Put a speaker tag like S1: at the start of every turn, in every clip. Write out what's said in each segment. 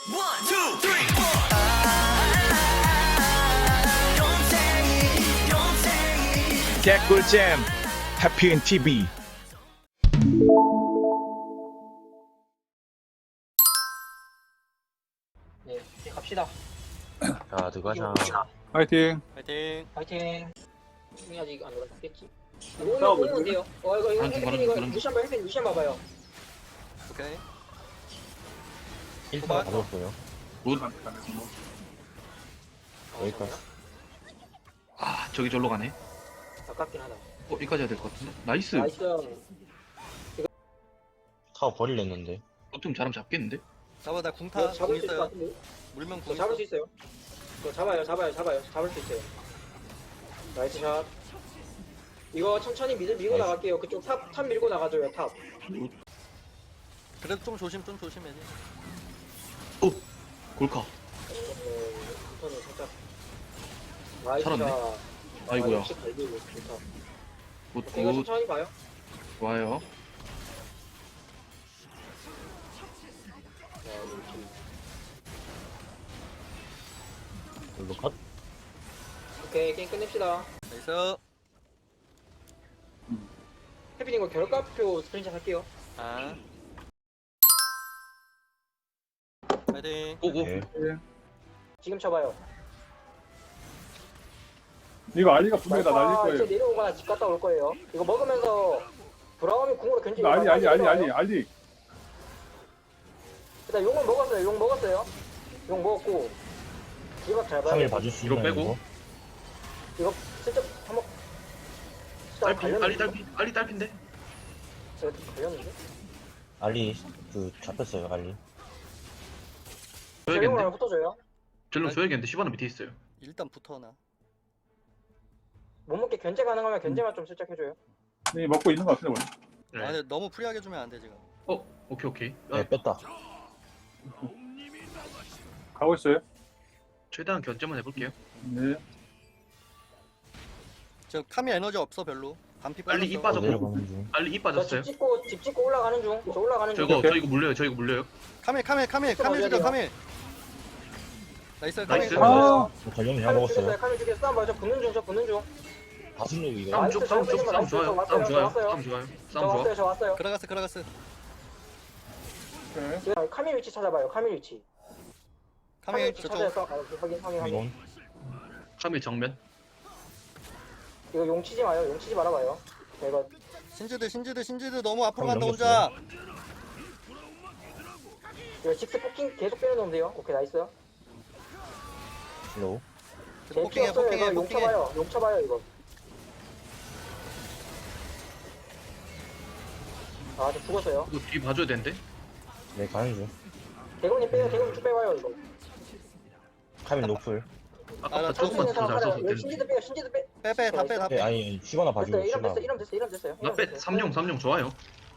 S1: 개꿀잼 해피인 TV.
S2: 네, 이제 갑시다.
S3: 자, 들어가자.
S4: 파이팅.
S5: 파이팅.
S2: 파이팅. 형이 아직 안 올라갔겠지? 오면 돼요. 이거 혜빈 루시안 봐봐요.
S5: 오케이.
S3: 1번
S5: 도발.
S3: 가졌어요. 여기까지.
S4: 아, 저기 절로 가네.
S2: 아깝긴 하다.
S4: 여기까지 해야 될 것 같은데. 나이스.
S2: 나이스.
S3: 타워 버릴랬는데.
S4: 좀 잘하면 잡겠는데?
S5: 잡아 나 궁타.
S2: 이거
S5: 궁
S2: 잡을 수 있을 것
S5: 있어요.
S2: 같은데?
S5: 물면
S2: 이거
S5: 궁
S2: 잡을
S5: 있어.
S2: 수 있어요. 이거 잡아요. 잡을 수 있어요. 나이스 샷. 이거 천천히 밀고
S3: 나이스.
S2: 나갈게요. 그쪽 탑 밀고 나가줘요. 탑.
S5: 그래도 좀 조심해야 돼.
S4: 오! 골카.
S2: 부터는 살짝. 나이스
S4: 살았네.
S2: 샷.
S4: 아이고야.
S2: 역시 갈비고 좋다.
S4: 굿,
S2: 이거
S4: 굿.
S2: 천천히 봐요.
S4: 좋아요.
S2: 자, 이렇게.
S3: 이거 컷.
S2: 오케이, 게임 끝냅시다.
S5: 나이스.
S2: 혜빈 이거 결과표 스크린샷 할게요.
S5: 아. 파이팅.
S4: 오고.
S3: 네.
S2: 지금 쳐봐요.
S6: 이거 알리가 분명히 다 날릴
S2: 이제
S6: 거예요.
S2: 내려오거나 집 갔다 올 거예요. 이거 먹으면서 브라움이 궁으로 견제.
S6: 이거 알리.
S2: 일단 용은 먹었어요. 용 먹었어요. 용 먹었고. 이박 잘 봐요.
S3: 3일 봐줄 수
S4: 이거
S3: 있나요?
S4: 빼고.
S2: 이거 슬쩍 한번.
S4: 알리 딸핀데?
S2: 제가 걸렸는데?
S3: 알리 그 잡혔어요. 알리.
S2: 저 용을
S4: 줘야겠는데?
S2: 하나 붙어줘요.
S4: 전령 줘야겠는데? 시바나 밑에 있어요.
S5: 일단 붙어놔.
S2: 못 먹게 견제 가능하면 견제만 좀 슬쩍 해줘요.
S6: 이 먹고 있는 것 같은데 원래.
S4: 네.
S5: 아 근데 너무 프리하게 주면 안 돼 지금.
S4: 오케이.
S3: 네, 뺐다.
S6: 가고 있어요.
S4: 최대한 견제만 해볼게요.
S6: 네.
S5: 저 카미 에너지 없어 별로. 반피
S4: 빨리 입
S5: 빠졌어.
S4: 빠져.
S3: 내려가는 중.
S4: 알리 입
S2: 저
S4: 빠졌어요.
S2: 집 찍고 올라가는 중. 저 올라가는 중.
S4: 저 이거 물려요.
S5: 카밀 죽여 카밀. 나이스 카밀.
S4: 나이스.
S6: 아,
S3: 전령이 잘
S2: 칼을
S3: 먹었어요.
S2: 죽였어요. 칼을 죽였어. 싸움 봐요. 저 붙는 중.
S3: 다순력 이거.
S4: 싸움
S2: 나이스,
S4: 좋아요.
S2: 나이스,
S4: 싸움
S2: 왔어요.
S4: 좋아요.
S2: 저 왔어요. 저 왔어요.
S5: 들어갔어.
S6: 오케이.
S2: 지금 카밀 위치 찾아봐요. 카밀 위치.
S5: 카밀
S2: 위치
S5: 저쪽.
S2: 찾아서 확인.
S3: 이건
S4: 3일 정면.
S2: 이거 용 치지 마요. 용 치지 말아봐요. 이거
S5: 신지드 너무 앞으로 간다
S3: 넘겼어요.
S5: 혼자.
S2: 이거 직스 포킹 계속 빼놓으면 돼요. 오케이 나이스.
S3: 슬로우.
S2: 제 피 없어요. 이거 용 쳐봐요. 용 쳐봐요 이거. 아, 저 죽었어요.
S4: 이거 뒤 봐줘야 되는데?
S3: 네, 가는 중.
S2: 대군님 빼요. 대군님 쭉 빼봐요 이거.
S3: 카밀 노플.
S4: 아깝다.
S5: 나
S4: 조금만
S2: 천천히
S4: 더 잘
S2: 살아요.
S4: 써서
S2: 이거
S4: 되는데.
S2: 신지도 빼요. 신지도 빼.
S5: 다
S3: 네,
S5: 빼.
S3: 아니 시바나 봐주고.
S2: 됐어요.
S3: 시바.
S2: 이름 됐어요.
S4: 나 뺐. 3용 좋아요.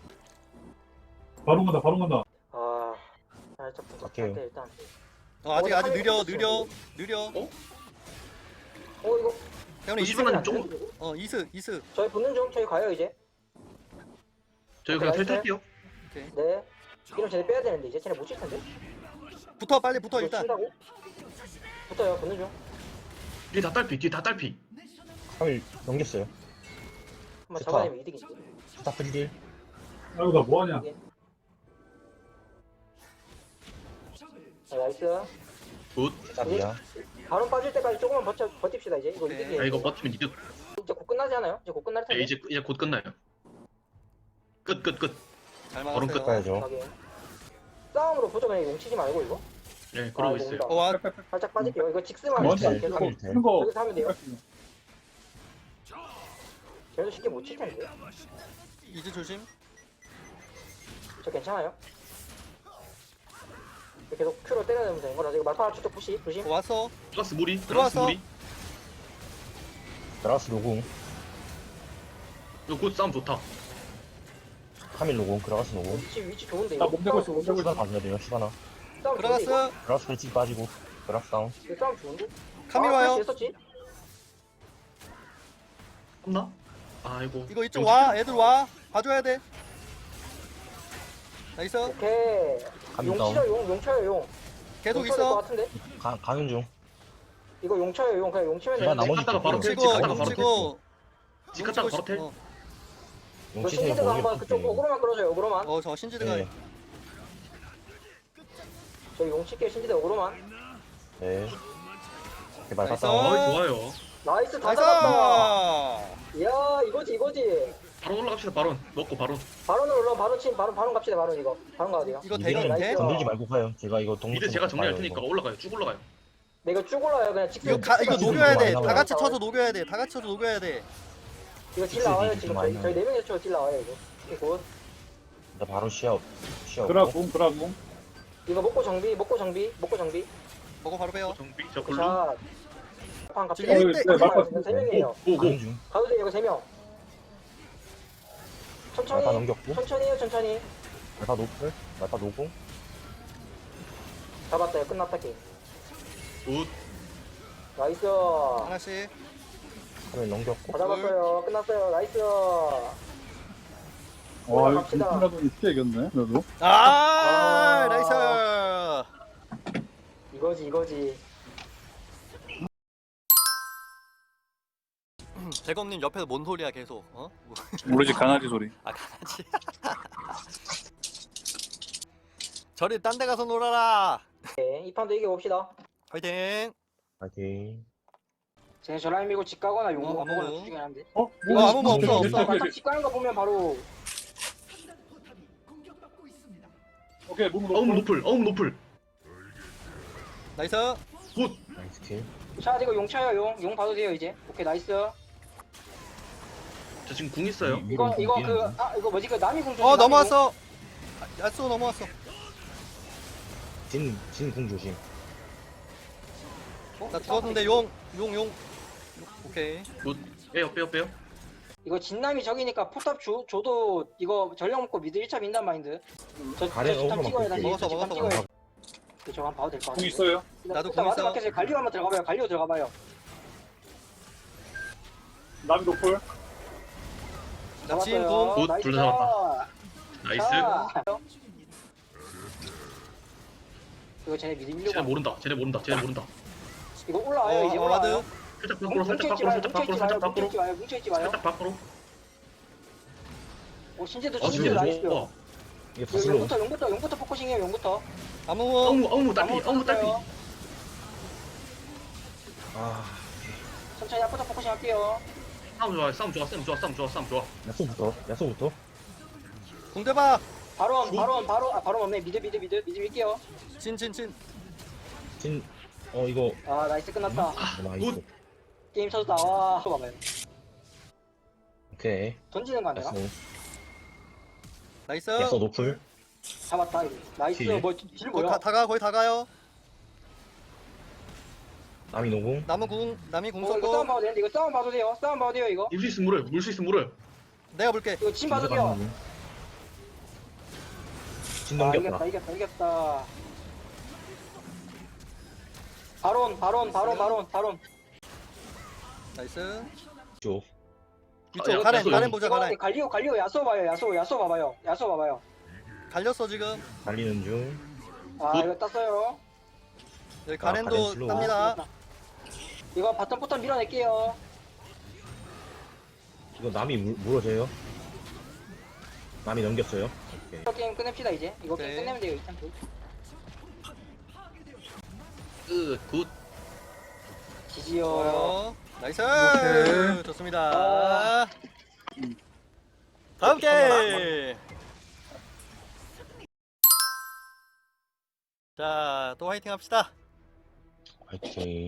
S6: 바로 간다.
S2: 아, 살짝
S3: 갈게요.
S2: 일단.
S5: 아직 느려.
S2: 이거
S5: 형님
S4: 시바나님
S5: 이스.
S2: 저희 붙는 중. 저희 가요 이제.
S4: 저희 그냥
S2: 나이스.
S4: 탈탈게요.
S2: 네. 이름 쟤네 빼야 되는데 이제 쟤네 못 칠 텐데.
S5: 빨리 붙어
S2: 이거
S5: 일단.
S2: 친다고? 붙어요. 붙는 중.
S4: 뒤 다 딸피.
S3: 카밀 넘겼어요.
S2: 한번
S3: 좋다.
S2: 잡아내면 이득이지.
S3: 스타 프리딜.
S6: 아이고 나 뭐하냐.
S2: 자, 나이스.
S4: 굿.
S3: 스타비야.
S2: 바로 빠질 때까지 조금만 버팁시다 이제. 이거
S5: 오케이.
S2: 이득이에요.
S4: 아 이거 버티면 이득.
S2: 이제 곧 끝나지 않아요? 이제 곧 끝날 텐데.
S4: 이제 곧 끝나요. 끝.
S5: 잘
S4: 바로
S5: 막았어요.
S3: 가야죠.
S2: 확인. 싸움으로 보죠. 그냥 용 치지 말고 이거.
S4: 네, 그러고
S2: 이거
S4: 있어요.
S2: 온다.
S5: 와
S2: 살짝 빠질게요. 이거 직스만
S3: 먼저
S2: 하면 계속
S3: 카밀 돼.
S6: 큰 거.
S2: 여기서 하면 돼요. 걔도 쉽게 못 칠 텐데.
S5: 이제 조심.
S2: 저 괜찮아요? 계속 큐로 때려내면 되는 거라. 이거 말파 추적 푸시 조심.
S5: 왔어.
S4: 플러스 무리.
S5: 들어왔어.
S3: 드라스 노공.
S4: 이거 굿 싸움 좋다.
S3: 카밀 노공. 그라가스 노공.
S2: 위치 좋은데
S6: 나
S2: 이거.
S6: 몸 대고 있어.
S3: 시바나 봐줘야 돼요. 시바나.
S2: 싸움 좋은데,
S5: 들어갔어.
S3: 그라스 프리딜 빠지고. 그라스 다운.
S2: 이거 싸움 좋은데?
S5: 카밀 와요.
S2: 됐었지?
S4: 없나? 아이고.
S5: 이거 이쪽 와. 애들 와. 봐줘야 돼. 나이스.
S2: 오케이.
S3: 카밀
S2: 용
S3: 다운.
S2: 치죠 용 쳐요 용.
S5: 계속
S2: 용 쳐야 될것
S5: 있어.
S2: 같은데?
S3: 가는 중.
S2: 이거 용 쳐요. 용 그냥 용 치면
S3: 제가
S2: 되는데.
S3: 나머지
S4: 갔다가 바로
S3: 뛸게요.
S4: 텔,
S5: 치고
S4: 갔다가 바로
S5: 치고
S4: 집 갔다가 바로 텔.
S5: 어,
S2: 이거
S3: 용치세요.
S2: 신지드가 한번 그쪽 어그로만 끌어줘요. 어그로만.
S5: 저 신지드가
S3: 네.
S2: 저기 용 칠게요. 신지드 어그로만.
S3: 네. 개발
S5: 나이스.
S3: 갔다.
S4: 어이 좋아요.
S2: 나이스 다
S5: 나이스.
S2: 잡았다. 이야 이거지.
S4: 바로 올라갑시다. 바로 먹고 바로.
S2: 바론으로 올라 바론 갑시다. 바론 이거. 바론 가도 돼요.
S5: 이거 대결
S2: 나이스.
S5: 돼?
S3: 건들지 말고 가요. 제가 이거 동물.
S4: 미드 제가 정리할 테니까 올라가요. 쭉 올라가요.
S2: 네, 이거 쭉 올라요. 그냥 직선.
S5: 이거
S3: 지금
S5: 녹여야 돼.
S3: 이거
S5: 다 같이
S2: 나와요.
S5: 쳐서 녹여야 돼. 다 같이 쳐서 녹여야 돼.
S2: 이거 딜 나와요. 지금
S3: 많이
S2: 저희 네 명이서 딜 나와요 이거. 이거
S3: 나 바로 시합.
S6: 그라궁 그라궁.
S2: 이거 먹고 정비.
S5: 먹어 바로 빼요.
S4: 정비 저 블루.
S2: 자. 판 갑시다.
S5: 지금
S6: 네, 맞다.
S2: 세 명이에요.
S4: 오고.
S3: 가는 중.
S2: 가도 돼요. 이거 세 명. 천천히.
S3: 말파 넘겼고.
S2: 천천히 해요. 천천히.
S3: 말파 노플. 말파 노공.
S2: 잡았다. 끝났다 게임.
S4: 굿.
S2: 나이스.
S5: 하나씩.
S3: 카밀 넘겼고.
S2: 다 잡았어요. 끝났어요. 나이스.
S6: 와 이거
S2: 갑시다.
S6: 김치라도 진짜 이겼네. 그래도.
S5: 아,
S2: 아.
S5: 나이스.
S2: 이거지.
S5: 재검님 옆에서 뭔 소리야 계속? 어?
S6: 모르지 강아지 소리.
S5: 아 강아지. 저리 딴 데 가서 놀아라.
S2: 네, 이 판도 이겨봅시다.
S5: 화이팅.
S3: 파이팅.
S2: 쟤네 저라인 밀고 집 가거나 용
S5: 어,
S2: 먹으면
S5: 어.
S2: 두중에 한데.
S5: 아무 뭐 없어.
S2: 바탕 집 가는 거 보면 바로
S6: 오케이 몸
S4: 어음
S6: 놓고.
S4: 노플.
S5: 나이스.
S3: 나이스 킬.
S2: 자 이거 용 쳐요. 용 봐도 돼요 이제. 오케이 나이스.
S4: 저 지금 궁 있어요.
S2: 이거 이거 뭐지 그 남이 공
S5: 넘어왔어. 야쏘 넘어왔어.
S3: 진궁 조심.
S5: 나 죽었는데 용. 오케이.
S4: 굿. 빼요.
S2: 이거 진남이 적이니까 포탑 줘도 이거 전력 먹고 미드 1차 민단 마인드.
S3: 가래
S2: 집탐
S3: 어그로만
S2: 찍어야 다시.
S5: 먹었어,
S2: 집탐
S5: 먹었어,
S2: 찍어야 저거 한번 봐도 될 것
S6: 궁
S2: 같아.
S6: 있어요.
S5: 나도
S2: 일단
S5: 공 있어.
S2: 마지막에 갈리오 한번 들어가봐요. 갈리오 들어가봐요.
S6: 남 노플.
S5: 나친
S2: 잡았어요.
S5: 공.
S4: 굿,
S2: 나이스.
S4: 둘다 잡았다. 나이스.
S2: 자. 이거 쟤네 미드 밀려고.
S4: 쟤네 모른다.
S2: 이거 올라와요. 이제 올라와요.
S4: 살짝 밖으로. 살짝
S2: 뭉쳐있지 마요. 오 신지도 나이스.
S3: 이게 다슬로.
S2: 용부터 포커싱해요. 용부터.
S5: 아무
S4: 어우 딸피.
S3: 아.
S2: 천천히 앞부터 포커싱 할게요.
S4: 싸움 좋아.
S3: 야소부터.
S5: 공대봐.
S2: 바로 없네. 미드 밀게요.
S5: 진.
S3: 진. 이거.
S2: 아 나이스 끝났다.
S3: 나이스.
S2: 게임 터졌다. 와 봐봐요.
S3: 오케이.
S2: 던지는 거 안 되나?
S3: 야소.
S5: 나이스.
S3: 야소 노플.
S2: 잡았다. 이거. 나이스.
S3: 딜.
S2: 뭐딜
S5: 거의
S2: 뭐야?
S5: 거의 다 가요.
S3: 남이 노공.
S5: 남이 공
S2: 이거 싸움
S5: 쏘고
S2: 봐도 되는데 이거 싸움 봐도 돼요 이거.
S4: 물수 있으면 물어요.
S5: 내가 볼게.
S2: 이거 침 봐도 돼요.
S3: 진
S2: 아
S3: 넘겼다.
S2: 이겼다. 바론.
S5: 나이스.
S3: 죠.
S5: 위쪽
S4: 야,
S5: 가렌
S4: 야쏘
S5: 보자
S2: 이거
S5: 가렌.
S2: 갈리오 야쏘 봐요. 야쏘 봐봐요.
S5: 갈렸어 지금.
S3: 달리는 중.
S2: 아
S4: 굿.
S2: 이거 땄어요.
S5: 여기
S3: 가렌
S5: 가렌도
S3: 슬로우.
S5: 탑니다.
S2: 이거 바텀 밀어낼게요.
S3: 이거 남이 물어줘요. 남이 넘겼어요. 오케이.
S2: 이거 게임 끝냅시다 이제. 이거
S5: 오케이.
S2: 게임 끝내면 돼요. 이참
S4: 굿.
S2: 지지요.
S5: 좋아요. 나이스.
S6: 오케이.
S5: 좋습니다. 다음 게임. 자, 또 화이팅 합시다.
S3: 화이팅.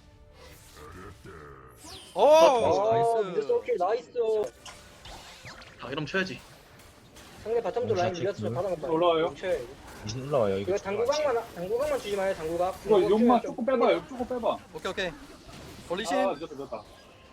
S5: 오,
S2: 미드
S5: 나이스.
S2: 소킬 나이스.
S4: 이러면 쳐야지.
S2: 상대 바텀도 라인
S3: 샷
S2: 밀렸으면
S3: 체크.
S2: 받아먹다.
S6: 올라와요.
S3: 이신 올라와요.
S2: 이거 당구각만 주지 마요. 당구각.
S6: 이거 용만
S2: 좀-
S6: 조금 빼봐. 조금 빼봐.
S5: 오케이. 올리신.
S6: 아 늦었다.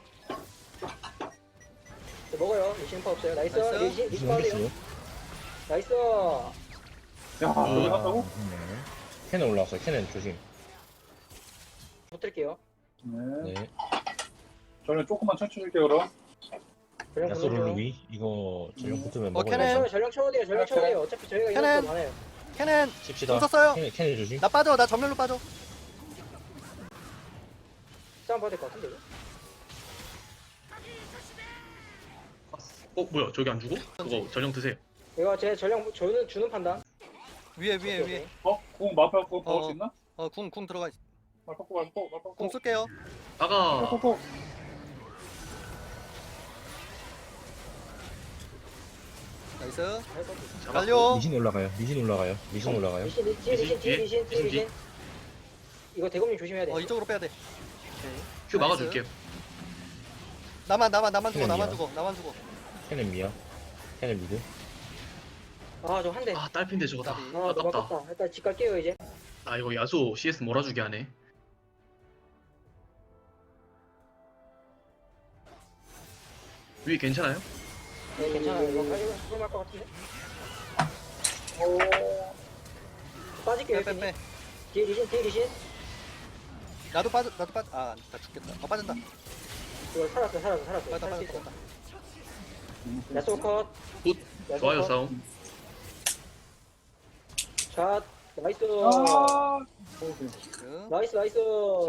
S2: 먹어요. 리신파 없어요. 나이스.
S5: 나이스.
S2: 리신
S3: 이신
S2: 파울이요.
S3: 넘겼어요.
S2: 나이스.
S6: 야 여기 갔다고?
S3: 캐넨 올라왔어요. 캐넨 조심.
S2: 붙을게요.
S6: 네.
S3: 네.
S6: 저는 조금만 천천히 할게요 그럼.
S2: 전령
S3: 야소
S2: 보내줘요.
S3: 룰루위 이거 전용 붙으면
S5: 캐넨.
S3: 먹어요.
S2: 전령 쳐도 돼요. 어차피 저희가
S5: 캐넨.
S2: 이겼어 많아요.
S5: 캐넨
S3: 칩시다.
S5: 공 썼어요.
S3: 캐넨 조심.
S5: 나 빠져. 나 전멸로 빠져.
S2: 싸움 봐야 될 것 같은데 이거?
S4: 뭐야 저기 안 주고? 그거 전령 드세요.
S2: 이거 제 전령 저는 주는 판단.
S5: 위에
S2: 오케이, 오케이.
S6: 공 마파고 박을 수 있나?
S5: 궁 들어가.
S6: 마파고
S5: 궁 쓸게요.
S4: 아가
S6: 마파고.
S5: 나이스.
S4: 잡았고.
S5: 갈려.
S3: 미신 올라가요. 미신 올라가요. 미신 올라가요.
S2: 리신 뒤에 리신 뒤에 리신 뒤에 리신. 이거 대검님 조심해야 돼.
S5: 이쪽으로 빼야 돼.
S4: 큐 막아줄게요.
S5: 나만 주고
S3: 캐넨이야.
S5: 나만 주고.
S3: 캐넨 미야. 캐넨 미드.
S2: 아저 한 대.
S4: 아 딸핀데 저거다.
S5: 까비.
S2: 아 너무
S4: 아깝다.
S2: 아깝다. 일단 집 갈게요 이제.
S4: 아 이거 야수 CS 몰아주게 하네. 위 괜찮아요?
S2: 네 괜찮아요. 이거 할것 같은데. 오. 빠질게요.
S5: 빼.
S2: 형님. 뒤에 리신.
S5: 나도 빠져. 아, 나 죽겠다. 빠진다.
S2: 이거 살았어.
S5: 빠졌다.
S2: 살수 있어. 야쏘 컷.
S4: 굿.
S2: 야쏘
S4: 좋아요
S2: 컷.
S4: 싸움.
S2: 샷. 나이스.
S6: 아.
S2: 나이스.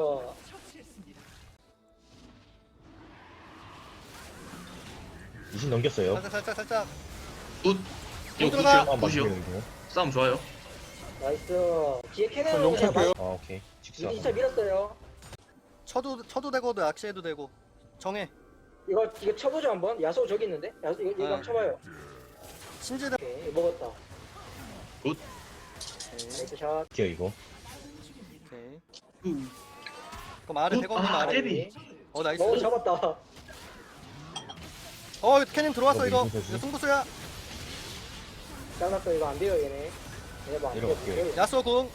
S3: 미신 넘겼어요.
S5: 살짝.
S4: 굿. 이거
S5: 들어가.
S4: 굿이요. 굿이요.
S3: 이거.
S4: 싸움 좋아요.
S2: 나이스. 뒤에 캐논
S6: 저
S2: 그냥
S6: 용서해요.
S3: 아 오케이. 직사.
S2: 미리 진짜 밀었어요.
S5: 쳐도 되고 낚시해도 되고. 정해.
S2: 이거 쳐보죠 한번. 야소 저기 있는데. 야소 이거
S5: 아.
S2: 한번 쳐봐요.
S5: 심지어.
S2: 오케이 먹었다.
S4: 굿.
S2: 나이스 샷.
S3: 기어 이거.
S5: 오케이. 그럼 아래 대검님
S4: 아,
S5: 아래.
S4: 제비.
S5: 나이스.
S2: 오 잡았다.
S5: 캐님 들어왔어 이거.
S3: 이거 무슨
S5: 이거 승부수야.
S2: 잘랐어. 이거 안 돼요 얘네. 얘네 뭐안
S3: 내려갈게요.
S2: 돼요.
S5: 야쏘 궁.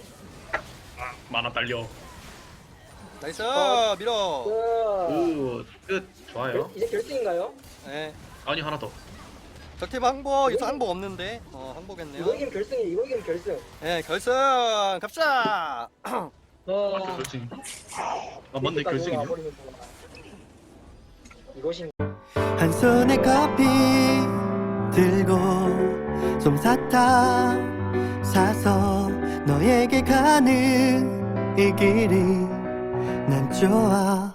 S4: 만화 딸려.
S5: 나이스.
S2: 컷.
S5: 밀어.
S4: 끝. 좋아요.
S2: 이제 결승인가요?
S5: 네.
S4: 아니 하나 더.
S5: 적팀 항복. 이거 항복 없는데. 항복했네요.
S2: 이거 이기면 결승이. 이거 이기면 결승.
S5: 네, 결승 갑시다.
S4: 아 결승. 아 맞네 결승이네.
S2: 와버리면 이것이
S7: 한 손에 커피 들고 솜사탕 사서 너에게 가는 이 길이 난 좋아